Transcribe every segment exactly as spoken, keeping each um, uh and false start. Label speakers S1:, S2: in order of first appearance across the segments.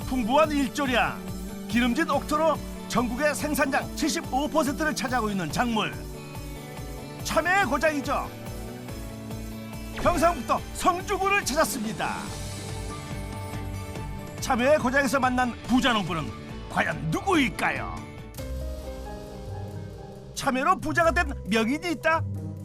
S1: 풍부한 일조량, 기름진 옥토로 전국의 생산량 칠십오 퍼센트를 차지하고 있는 작물. 참외의 고장이죠. 경상북도 성주군을 찾았습니다. 참외의 고장에서 만난 부자농부는 과연 누구일까요? 참외로 부자가 된 명인이 있다?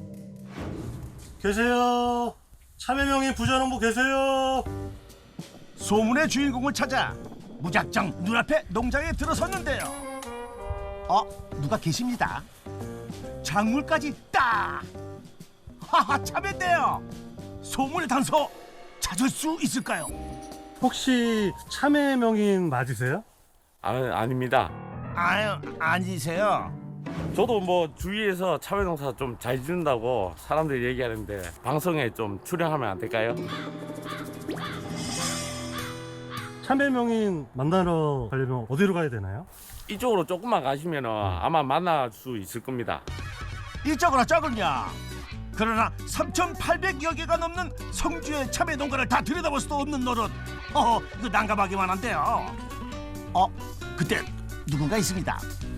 S2: 계세요. 참외명인 부자농부 계세요.
S1: 소문의 주인공을 찾아 무작정 눈앞에 농장에 들어섰는데요. 어? 누가 계십니다. 작물까지 딱! 하하, 참외인데요. 소문의 단서 찾을 수 있을까요?
S2: 혹시 참외명인 맞으세요?
S3: 아, 아닙니다.
S1: 아유, 아니세요.
S3: 저도 뭐 주위에서 참외 농사 좀 잘 짓는다고 사람들이 얘기하는데 방송에 좀 출연하면 안 될까요?
S2: 참외명인 만나러 가려면 어디로 가야 되나요?
S3: 이쪽으로 조금만 가시면 아마 만날 수 있을 겁니다.
S1: 이쪽으로 저군요. 그러나 삼천팔백여 개가 넘는 성주의 참외 농가를 다 들여다볼 수도 없는 노릇. 어, 이거 난감하기만 한데요. 어, 그때 누군가 있습니다.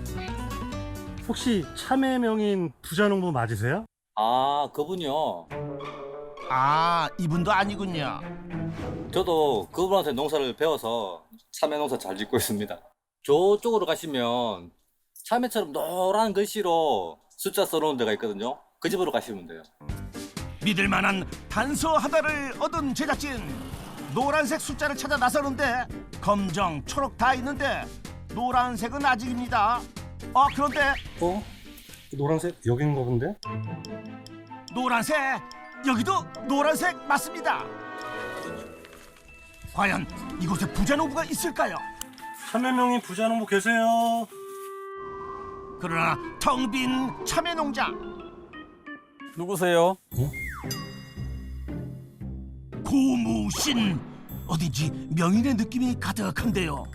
S2: 혹시 참외명인 부자농부 맞으세요?
S4: 아, 그분요.
S1: 아, 이분도 아니군요.
S4: 저도 그분한테 농사를 배워서 참외 농사 잘 짓고 있습니다. 저쪽으로 가시면 참외처럼 노란 글씨로 숫자 써놓은 데가 있거든요. 그 집으로 가시면 돼요.
S1: 믿을 만한 단서 하나를 얻은 제작진. 노란색 숫자를 찾아 나서는데 검정, 초록 다 있는데 노란색은 아직입니다. 아, 그런데
S2: 어? 노란색 여긴가 본데?
S1: 노란색, 여기도 노란색 맞습니다. 과연 이곳에 부자농부가 있을까요?
S2: 참외명인 부자농부 계세요.
S1: 그러나 텅 빈 참외 농장.
S5: 누구세요?
S1: 고무신. 어딘지 명인의 느낌이 가득한데요.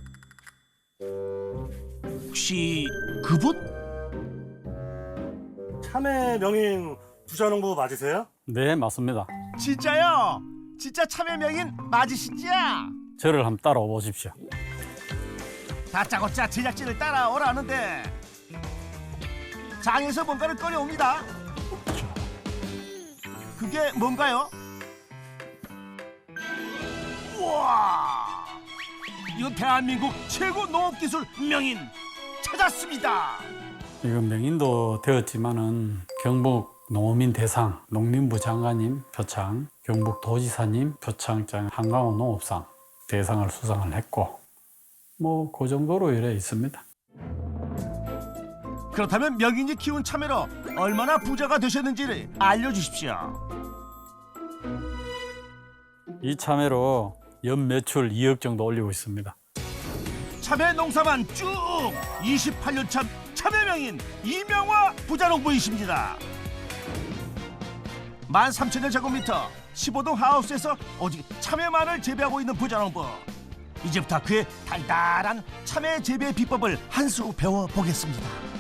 S1: 혹시 그분?
S2: 참외명인 부자농부 맞으세요?
S5: 네, 맞습니다.
S1: 진짜요? 진짜 참외 명인 맞으시지요?
S5: 저를 한번 따라와 보십시오.
S1: 다짜고짜 제작진을 따라오라는데 장에서 뭔가를 꺼내옵니다. 그게 뭔가요? 우와! 이건 대한민국 최고 농업기술 명인 찾았습니다.
S5: 이건 명인도 되었지만은 경북 농어민 대상, 농림부 장관님 표창, 경북 도지사님 표창장, 한강호 농업상 대상을 수상을 했고 뭐 그 정도로 이래 있습니다.
S1: 그렇다면 명인이 키운 참외로 얼마나 부자가 되셨는지를 알려주십시오.
S5: 이 참외로 연 매출 이억 정도 올리고 있습니다.
S1: 참외 농사만 쭉 이십팔 년 차 참외 명인 이명화 부자농부이십니다. 만 삼천여 제곱미터 십오 동 하우스에서 오직 참외만을 재배하고 있는 부자농부. 이제부터 그의 달달한 참외 재배 비법을 한 수 배워보겠습니다.